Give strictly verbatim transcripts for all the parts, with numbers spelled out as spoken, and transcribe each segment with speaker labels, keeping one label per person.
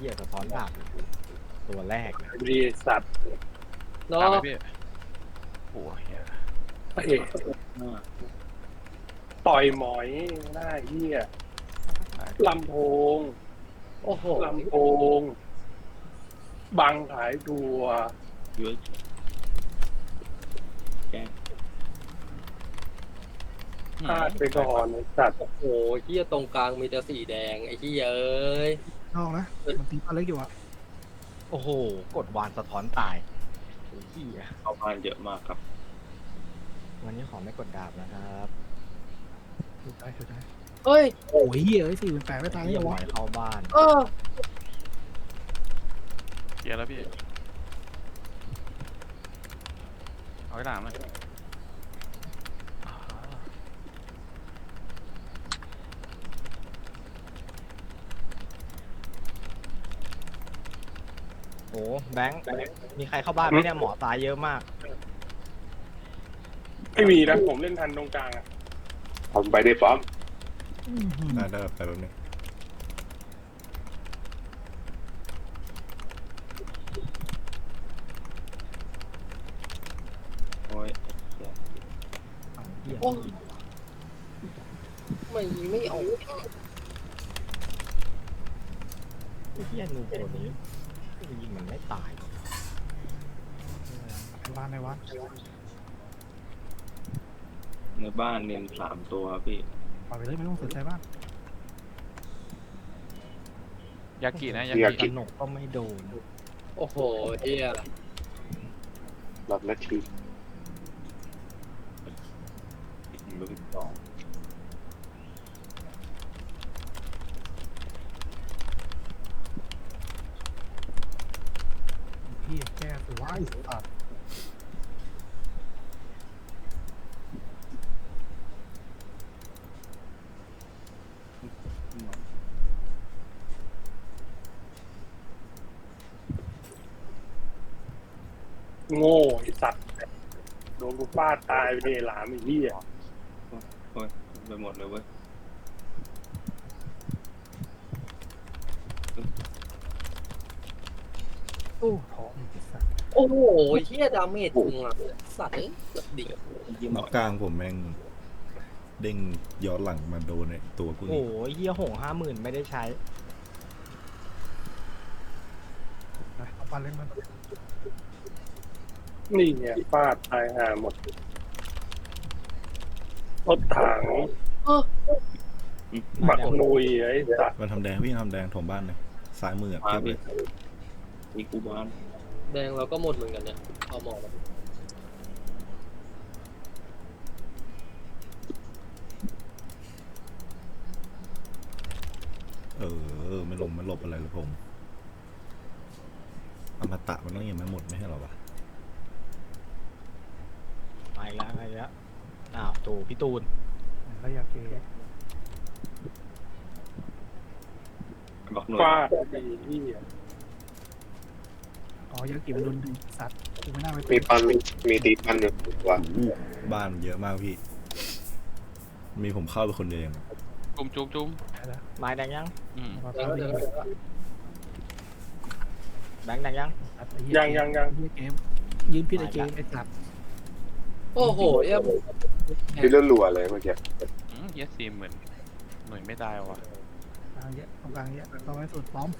Speaker 1: หี้ยสะท้อนดาบตัวแรก
Speaker 2: ดีสัตว์
Speaker 3: เนาะพี่โอ้ย
Speaker 2: พระเอกต่อยหมอยหน้าเหี้ยลำโพง
Speaker 3: โอ้โห
Speaker 2: ลำโพง บังขายตัวเยอะแกพลาดไปก่อนไอ้สัตว์
Speaker 3: โอ้โหเฮียตรงกลางมีแต่สีแดงไอ้เฮียเอ้ย
Speaker 4: นอกนะมันตีปลาเล็กอยู่อะ
Speaker 1: โอ้โหกดวานสะท้อนตายไอ้เหี้ย
Speaker 2: เอาพานเยอะมากครับ
Speaker 1: วันนี้ขอไม่กดดาบนะครับ
Speaker 4: ถูกได้ถูกได้
Speaker 3: เฮ้ย
Speaker 4: โอ้ยเหี้ยเอ้ยสี่เป็นแปดไม่ตาย
Speaker 1: เหี้
Speaker 4: ยั
Speaker 1: ย
Speaker 4: ง
Speaker 1: หม
Speaker 4: วะ
Speaker 1: อยเข้าบ้าน
Speaker 3: เออ
Speaker 5: เกียร์แล้วพี่ เอาไว้หลังเลย
Speaker 1: โอ้แบงค์มีใครเข้าบ้านไหมเนี่ยหมอตายเยอะมาก
Speaker 2: ไม่มีนะผมเล่นทันตรงกลางอ่ะ
Speaker 6: ผมไปได้ป้อม
Speaker 4: อื้อหือ
Speaker 7: ได้ได้ไปแบบนี้
Speaker 2: โอ้ย
Speaker 1: เหี้ย
Speaker 3: โอ้ไม่ไม่เอา
Speaker 1: ไอ้เหี้ยนูตัวนี้ยิงมันไม่ตาย
Speaker 4: ในวัดในวัด
Speaker 2: ในบ้านเน้นสามตัวพี่
Speaker 4: ปล่อยไปเลยไม่ต้องสนใจบ้าง
Speaker 5: ยากินะยา
Speaker 1: ส
Speaker 5: กิ
Speaker 1: นุกก็ไม่โดน
Speaker 3: โอ้โหเฮีย
Speaker 6: หลับนาที
Speaker 2: ลูกสอง
Speaker 4: พี่แก้สวยสัตว์
Speaker 2: โง่ไอ้สัตว์โดนกูฟาดตายไปเลยหลามไอ้เหี้ยโอ้ยไปหมดเลยเว้ย
Speaker 4: โอ้ท้องไอ้สัตว์
Speaker 3: โอ้โหเฮียดาเมจจริงอ่ะสัตว์เอ้ยเกือบดิ
Speaker 7: นอกกลางผมแม่งเด้งย้อนหลังมาโดนไอ้ตัวกู
Speaker 1: โอ้
Speaker 7: นี่
Speaker 1: โหเหี้ยหงห้าหมื่นไม่ได้ใช้
Speaker 4: ไปเอาปลาเล็กมา
Speaker 2: นี่เนี่ยฟาดตายห่าหมดรถถัง
Speaker 3: เออ
Speaker 2: บักนุยไอ้สัตว์
Speaker 7: มันทำแดงพี่ทำแดงถมบ้านเลยซ้ายมืออะเทียบเลย
Speaker 2: มีกูบ้าน
Speaker 3: แดงเราก็หมดเหมือนกันเนี่ยเอาหมอมา
Speaker 7: เออไม่ลงไม่หลบอะไรเลยผมอมตะมันต้องยังไม่หมดไม่ใช่หรอวะ
Speaker 1: ไปแล้วไปแล้วอ้าวตูพี่ตูน
Speaker 4: แล้วอยากเกย
Speaker 2: ฟาดไอ้เหี้ย
Speaker 4: อ๋ออยากเก็บโดนดูสัตว์กูไม่น่าไป
Speaker 6: มีปันมีมีตีปันอยู่ว่ะ
Speaker 7: อู้บ้านเยอะมากพี่ มีผมเข้าไปคนเดียวเอง
Speaker 5: จุ่มจุ่มจุ่ม
Speaker 4: แล้ว
Speaker 1: ไม้แดงยัง
Speaker 5: อืม
Speaker 4: มา
Speaker 3: แด
Speaker 4: ป
Speaker 3: ง
Speaker 4: ลา
Speaker 3: แด
Speaker 4: เล็
Speaker 3: ง
Speaker 4: ก
Speaker 1: แบงค์แดงยัง
Speaker 2: ยังยังยัง
Speaker 4: เหี้ยเกมยืนพิษไอเกมไอ้สัตว์
Speaker 3: โอ้โหเฮีย
Speaker 6: ที่เลื่อนรัวเลยเมื่อกี้
Speaker 5: อืมเยสซีเหมือนหน่วยไม่ได้ว่ะ
Speaker 4: กลางเยอะตรงกลางเยอะต้องไปสุดป้อม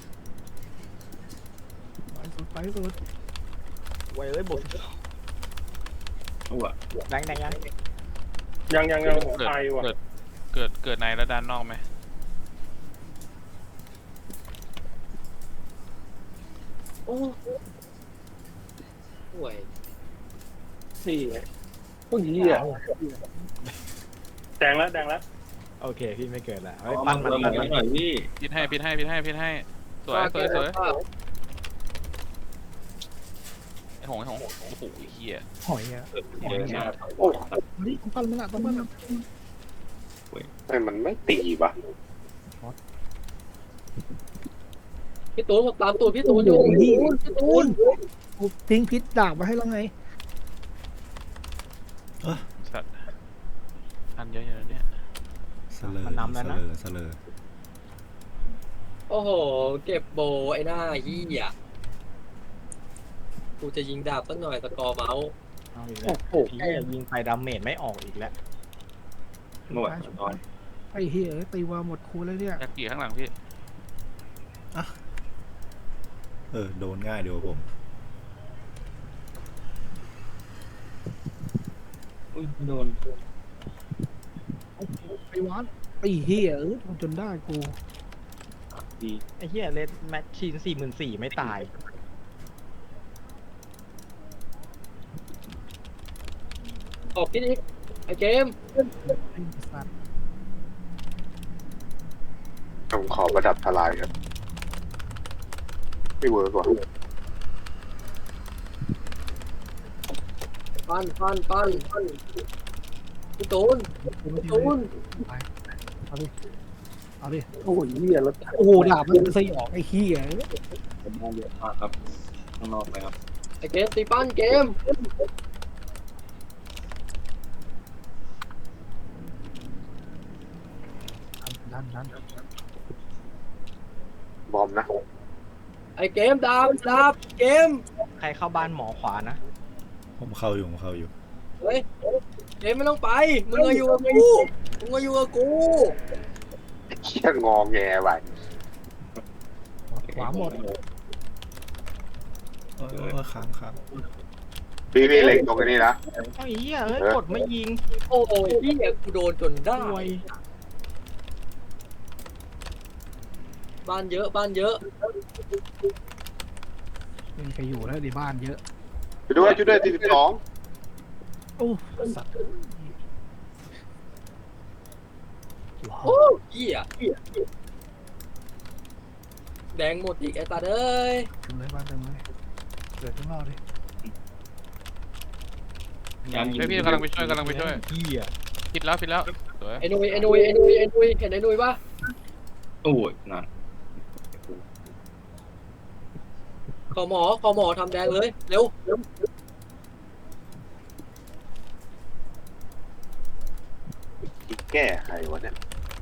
Speaker 4: ไปสุดไปสุด
Speaker 1: ไว้เอ้ยบุก
Speaker 2: เอาวะ
Speaker 1: แบงค์แดงยัง
Speaker 2: ยังยังยังผม
Speaker 5: เกิด
Speaker 2: ไปว่ะ
Speaker 5: เกิดเกิดเกิดในแล้วด้านนอกไหม
Speaker 3: โอ้ห่วย
Speaker 2: นี่ไงพวกเหี้ยแดงแล้วแดงแล้ว
Speaker 1: โอเคพี่ไม่เกิดแล้วเฮ้ยปั้นมันปั้นมัน
Speaker 2: หน่อยพี่
Speaker 5: พิดให้พิดให้พิดให้พิดให้สวยสวยสวยไอ้หงไอ้หงโอ้โหเฮีย
Speaker 4: หอยอ่ะ
Speaker 2: เยอะมาก
Speaker 6: โอ้
Speaker 4: เฮ้ยปั้นมันละปั้นมันละ
Speaker 6: ทำไมมันไม่ตีวะ
Speaker 3: พี่ตูนผมตามตูนพี่ตูนอยู่พี่ตูน
Speaker 4: กูทิ้งพิษดาบมาให้แล้วไง
Speaker 5: สัตว์อันเยอะๆเนี่ย
Speaker 7: เสลอ
Speaker 1: มันนำแล้วนะ
Speaker 7: เสลอ
Speaker 3: โโอ้โหเก็บโบไอ้หน้าเหี้ยกูจะยิงดาบสักหน่อยสกอร์เมาส์
Speaker 1: เอาอีกแล้วพี่ยิงไปดาเมจไม่ออกอีกแล้ว
Speaker 2: หมดนอน
Speaker 4: ไอ้เหี้ยตีวาหมดคูแล้วเนี่ย
Speaker 5: ยากิข้างหลังพี่
Speaker 7: เออ โดนง่ายเดียวาผม
Speaker 2: อุ้ยโดน
Speaker 4: ไอ้วานไอ้เหี้ยเออทำจนได้กู
Speaker 2: ดี
Speaker 1: ไอ้เหี้ยเลดแมชชีนสี่หมื่นสี่ไม่ตาย
Speaker 3: ออกพิษอีกไอ้เกม
Speaker 4: ไอ้สัตว์
Speaker 6: ผมขอประดับทลายครับไม่เวิร์กว่ะ
Speaker 3: ปั้นปั้นปั้นปั้นพี่ตูน
Speaker 4: กูไม่
Speaker 3: พี่
Speaker 4: ตี
Speaker 3: ตู
Speaker 4: เลย
Speaker 3: น
Speaker 4: เอาดิเอาดิ
Speaker 2: โอ้ยเหี้ยแล้ว
Speaker 4: โอ้โหดาบมันสยองไอ้เหี้ย
Speaker 2: ผมมองเยอะมากครับข้างนอกเลยครับ
Speaker 3: ไอ้เกมตีปั้นเกม
Speaker 4: ดันดัน
Speaker 6: บอมนะ
Speaker 3: ไอ้เกมดาบดาบเกม
Speaker 1: ใครเข้าบ้านหมอขวานะ
Speaker 7: ผมเข้าอยู่ ผมเข้าอยู่
Speaker 3: เฮ้ยเกมไม่ต้องไปมึงมาอยู่กับกูมึงมาอยู่กับกู
Speaker 6: เชี่ยงอแงไป
Speaker 4: ขวาหมด
Speaker 7: เออเออเออค้างค้าง
Speaker 6: พี่พี่เล็งตรงนี้นะ
Speaker 1: เอาไอ้เหี้ยเฮ้ยกดไม่ยิง
Speaker 3: โอ้ยพี่กูโดนจนได้
Speaker 1: ป่วย
Speaker 3: บ้านเยอะบ้านเยอะ
Speaker 4: เป็นใครอยู่แล้วในบ้านเยอะ
Speaker 6: ช่วยด้วยช่วยด้วยที่สิบสอง
Speaker 4: โอ้สัตว์
Speaker 3: โอ้เหี้ยแดงหมดอีกไอ้ตาเอ้ย
Speaker 4: เต็มเลยบ้านเต็มเลยเกิดข้างนอกดิ
Speaker 2: ยังยิง
Speaker 5: เฮ้ยพี่กำลังไปช่วยกำลังไปช่วย
Speaker 1: เหี้ย
Speaker 5: ผิดแล้วผิดแล้วสวย
Speaker 3: ไอ้นุยไอ้นุยไอ้นุยไอ้นุยเห็นไอ้นุยปะ
Speaker 2: โอ้ยนั่น
Speaker 3: ขอหมอขอหมอทำแดงเลยเร็ว
Speaker 6: แก้ใครวะเนี่ย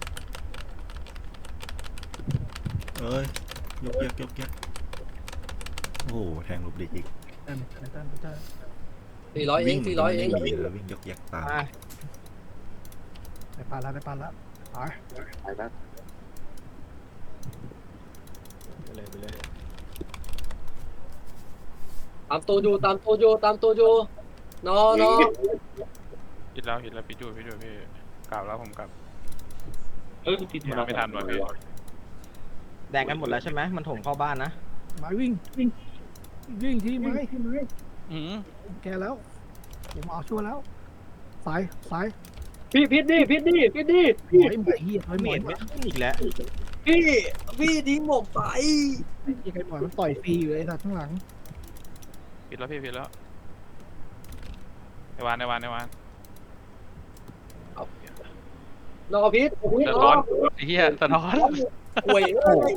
Speaker 7: เอ้ย ยกแยกยกแยกโอ้โห แทงหลบหลีกอีก
Speaker 4: เต็มเต็มเต็มเต็ม
Speaker 3: สี่ร้อยเองสี่ร้อยเอง
Speaker 7: ไม่มีเลยวิ่งยกแยกตาม
Speaker 1: มา
Speaker 4: ไปปานละไปปานละไป
Speaker 6: ไปแล้ว
Speaker 1: ไปเลยไปเลย
Speaker 3: ตามตัวอยู่ตามตัวอยู่ตามตัวอยู่นอนอ
Speaker 5: ผิดแล้วผิดแล้วพี่จูพี่จูพี่กลับแล้วผมกลับ
Speaker 2: เอ้ยผิด
Speaker 5: มาไม่ทันว่ะพี่
Speaker 1: แดงกันหมดแล้วใช่ไหมมันถมเข้าบ้านนะ
Speaker 4: ไม้วิ่งวิ่งวิ่งที่ไม้ที่ไม้
Speaker 5: อืม
Speaker 4: แกแล้วผมเอาช่วยแล้วสายสาย
Speaker 3: พี่พิษดิพิษดิพิษดิ
Speaker 4: หมอยหมอยเหี้ยหมอยหม
Speaker 1: เม
Speaker 4: อย
Speaker 1: ดไม่ขึ้นอีกแล้ว
Speaker 3: พี่พี่ทิ้งผมไป
Speaker 4: ยังไงหมอยมันต่อยฟรีอยู่ไอ้สัตว์ข้างหลัง
Speaker 5: ผิดแล้วพี่ผิดแล้วไอวานไอวานไอวาน
Speaker 3: นอพิษพิษ
Speaker 5: สะ
Speaker 3: น
Speaker 5: ท้อ
Speaker 3: อน
Speaker 5: ไอ้เหี้ยสะท้อน
Speaker 3: ป่วยเอ้ย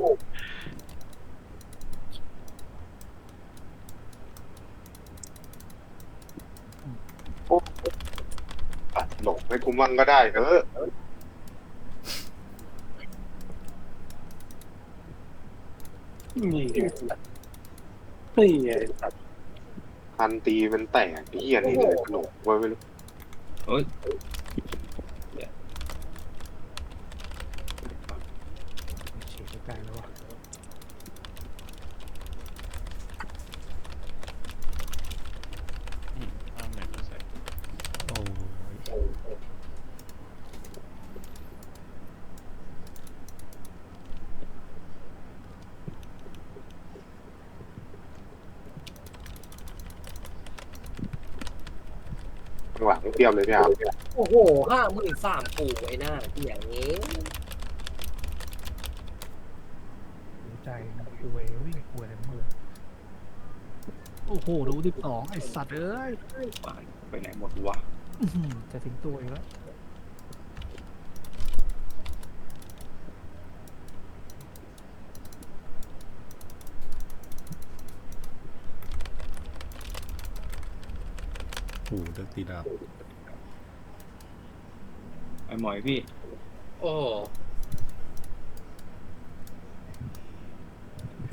Speaker 6: อ่ะหลงให้กูมั่งก็ได้เออ
Speaker 2: นี่ไงนี่ไงสัตว์
Speaker 6: พันตีมันแตกเหี้ยนี่เลยหลงไว้ไม่รู้
Speaker 2: เฮ้ย
Speaker 4: ฉีดใกล้แล้วว่ะ
Speaker 5: เอาเน็ตมาใส่
Speaker 7: โอ้ย
Speaker 6: ข้างหลังเตรียมเลยพี่อาร์ม
Speaker 3: โอ้โหห้าหมื่นสามปู่ไอ้หน้าที่อย่างนี้
Speaker 4: หัวใจกูเววิ่งกูอะไรมือโอ้โหดูสิบสองไอ้สัตว์เอ้ย
Speaker 2: บ้านไปไหนหมดวะ
Speaker 4: อื้อหือจะถึงตัวอีกแล้ว
Speaker 7: โอ้โหเลือกตีดาว
Speaker 2: ไอ้หมอยพี่
Speaker 3: โอ้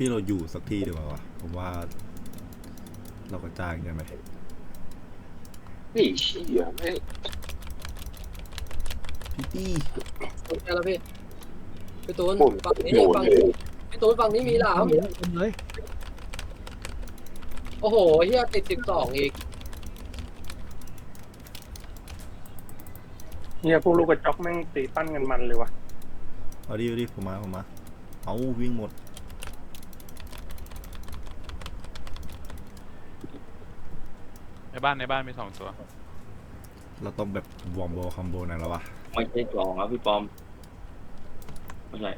Speaker 7: พี่เราอยู่สักที่ดีกว่าวะผมว่า เราก็จ้างกันไหม
Speaker 6: ไอ้เชี่ยไม่
Speaker 7: พี่ตี้
Speaker 3: สนใจแล้วพี่พี่ตูน
Speaker 6: หมุน
Speaker 3: ฝั่งนี้
Speaker 6: หมุน
Speaker 3: ฝั่ง
Speaker 6: เล
Speaker 3: นี้
Speaker 6: ย
Speaker 3: พี่ตูนฝั่งนี้มีหลาม
Speaker 4: เยอะเลย
Speaker 3: โอ้โหเฮียติดสิบสองอีก
Speaker 2: เนี่ยพวกลูกกระจอกแม่งตีปั้นกันมันเลยวะ
Speaker 7: เอาดิเอาดิผมมาผมมาเอาวิ่งหมด
Speaker 5: ในบ้านในบ้านมีสองตัว
Speaker 7: เราต้องแบบวอมโบคอมโบนั่นแล้ววะ
Speaker 8: ไม่ใช่กล่องครับพี่ปอมไม่ใช่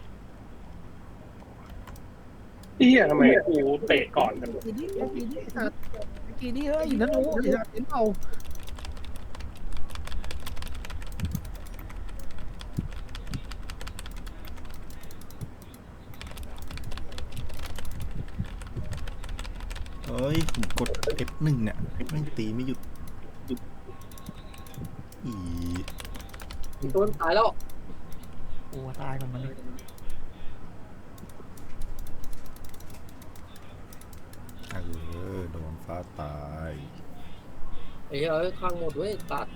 Speaker 2: เฮียทำไมกูเตะก่อนกัน
Speaker 4: กีนี่กีนี่สัตว์กีนี่เฮ้ยนั่นโอ้ยสัตว์เห็นเปล่า
Speaker 7: เอ้ยผมกด เอฟ หนึ่งเนี่ยแม่งตีไม่หยุดอี
Speaker 3: พี่ตูนตายแล้ว
Speaker 4: โอ้ตายก่อนมันเลย
Speaker 7: เออโดนฟ้าตาย
Speaker 3: ไอ้เหี้ยเอ้ยข้างหมดเว้ยตัด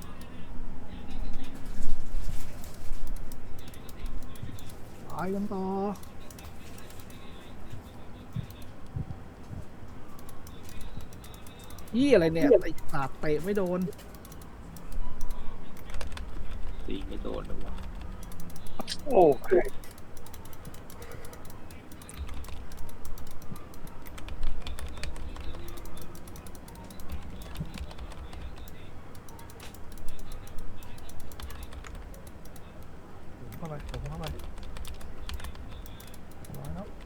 Speaker 4: ตายกันต่อยี่อะไรเนี่ยไอ้สาดเตะไม่โดน
Speaker 8: ตีไม่โดนเลยวะ
Speaker 2: โอ้ย
Speaker 4: เข้าไปผมเข้าไปร้อยแล้ว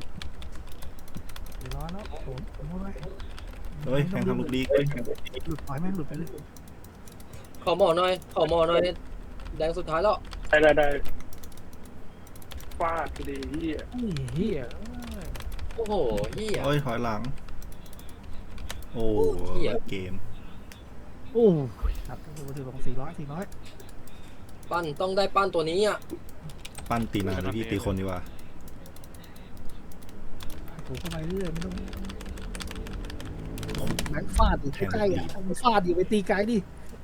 Speaker 4: ร้อยแล้วผมผมเข้าไป
Speaker 7: เฮ้ยแข่งทำลูกดี
Speaker 4: หลุดปล่อยแม่งหลุดไปเลย
Speaker 3: ขอหมอหน่อยขอหมอหน่อยแดงสุดท้ายแล้ว
Speaker 2: ได้ได้ได้ฟาดดีเฮีย
Speaker 4: ไอ้เหี้ย
Speaker 3: โอ้โหเฮีย
Speaker 7: เฮ้ยถอยหลัง โอ้
Speaker 3: เหี้ย
Speaker 7: เกม
Speaker 4: โอ้ยสัตว์ตัวถือของสี่ร้อยสี่ร้อย
Speaker 3: ปั้นต้องได้ปั้นตัวนี้อ่ะ
Speaker 7: ปั้นตีนานเลยพี่ตีคนดีกว่า
Speaker 4: ถูกเข้าไปเรื่อยไม่ต้องแม็กฟาดอยู่ใกล้ๆอ่ะมันฟาดอยู่ไปตีไกลดิ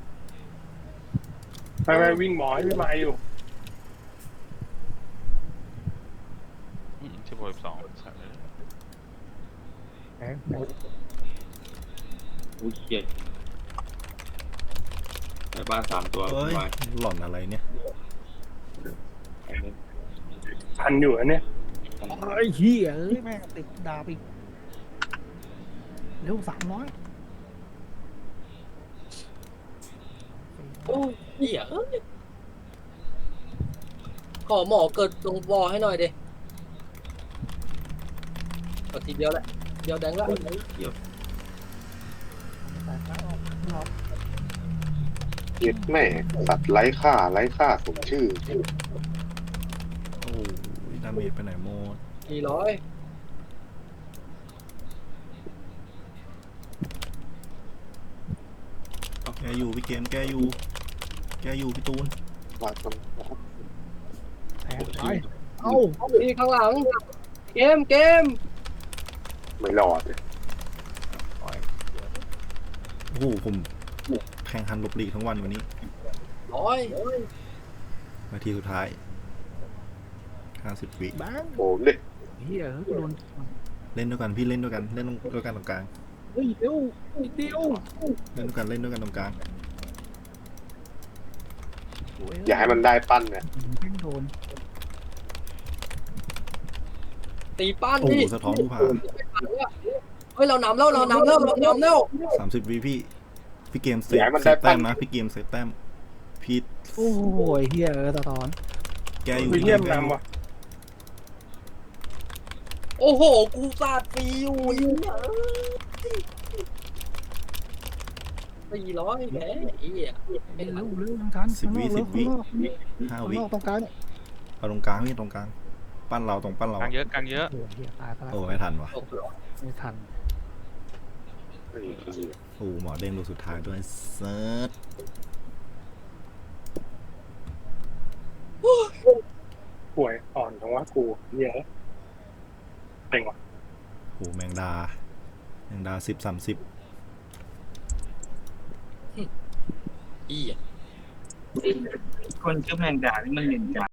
Speaker 2: ไม่ไม่วิ่งหมอให้พี่ไม้อยู่
Speaker 5: อืมสิบหกสิบสองใช่เลย
Speaker 4: แข็งหมด
Speaker 8: อุ้ยเหี้ยในบ้านสามตัว
Speaker 7: เฮ้ย
Speaker 8: มา
Speaker 7: หล่อนอะไรเนี่ย
Speaker 2: ทันอยู่อันเนี้ย
Speaker 4: ไอ้เหี้ยเอ้ยแม่งติดดาบอีกเร็วสามร้อย
Speaker 3: โอ้ยเฮียเอ้ยขอหมอเกิดตรงวอให้หน่อยดิกดทีเดียวแหละเดียวแดงละ
Speaker 4: แตกแล้วออกรอบ
Speaker 6: เย็ดแม่สัตว์ไร้ค่าไร้ค่าสมชื่อ
Speaker 7: โอ้ยดาเมจไปไหนหมด
Speaker 3: สี่ร้อย
Speaker 7: แกอยู่พี่เกมแกอยู่ แกอยู่พี่ตูน
Speaker 6: ว่าต้อง
Speaker 4: แทงไปเอ้า
Speaker 3: พี่ข้างหลัง เกมเกม
Speaker 6: ไม่รอด
Speaker 7: โอ้โหผมแข่งคันหลบหลีกทั้งวันวันนี้
Speaker 3: ร้อย
Speaker 7: นาทีสุดท้ายห้าสิบวิ
Speaker 4: แบงค์
Speaker 6: โอ้เด็ก
Speaker 4: เหี้ยเฮ้ยโดน
Speaker 7: เล่นด้วยกันพี่เล่นด้วยกันเล่นด้วยกันตรงกลาง
Speaker 4: เฮ้ยเร็วนิดเดียว
Speaker 7: เล่นด้วยกันเล่นด้วยกันตรงกลาง
Speaker 4: โอ้
Speaker 6: อย่าให้มันได้ปั้นเนี่ย
Speaker 4: แม่งโดน
Speaker 3: ตีปั้น
Speaker 7: โอ้โห
Speaker 3: ดิ
Speaker 7: สะท้อนผู้ผ่า
Speaker 3: เฮ้ยเรานำแล้วเรานำแล้วเรานำแล้ว
Speaker 7: สามสิบวิพี่ พี่เกมเซ
Speaker 6: อย่า
Speaker 7: ฟ
Speaker 6: ให้มัน
Speaker 7: เซ
Speaker 6: ได้
Speaker 7: ฟ
Speaker 6: ปั้
Speaker 7: แต้
Speaker 6: น
Speaker 7: มนะพี่เกมเซฟแต้มพี่
Speaker 4: โอ้ยเฮียเออตะตอน
Speaker 7: แกอยู่
Speaker 2: วิล
Speaker 7: พี่
Speaker 2: เลียม
Speaker 7: แกอยู่
Speaker 2: นำว่ะ
Speaker 3: โอ้โหกูสาดฟรีอยู่สี่ร้อยแหมไอ้เหี้ย
Speaker 4: เร็วเร็วทางการ
Speaker 7: สิบวิสิบวิห้า
Speaker 4: ข้าง
Speaker 7: วิ
Speaker 4: นอกตรงกลางเนี่ย
Speaker 7: เอาตรงกลางพี่ตรงกลาง ปั้นเราตรงปั้นเรา
Speaker 5: กลางเยอะกลางเยอะ
Speaker 4: โอ้ยเฮียตายไปแล้ว
Speaker 7: โอ้ไม่ทันวะ
Speaker 4: ไม่ทัน
Speaker 6: ไอ้เหี้ย
Speaker 7: โอ้หมอเด้งลูกสุดท้ายด้วยเซิร์ช
Speaker 2: ป่วยอ่อนทั้งว่ากูเหี้ยเต็งว่ะ
Speaker 7: งดาสิบสามสิบ
Speaker 3: อีอ่ะ
Speaker 9: คนชื่อแมงดานี่มันเล่นกา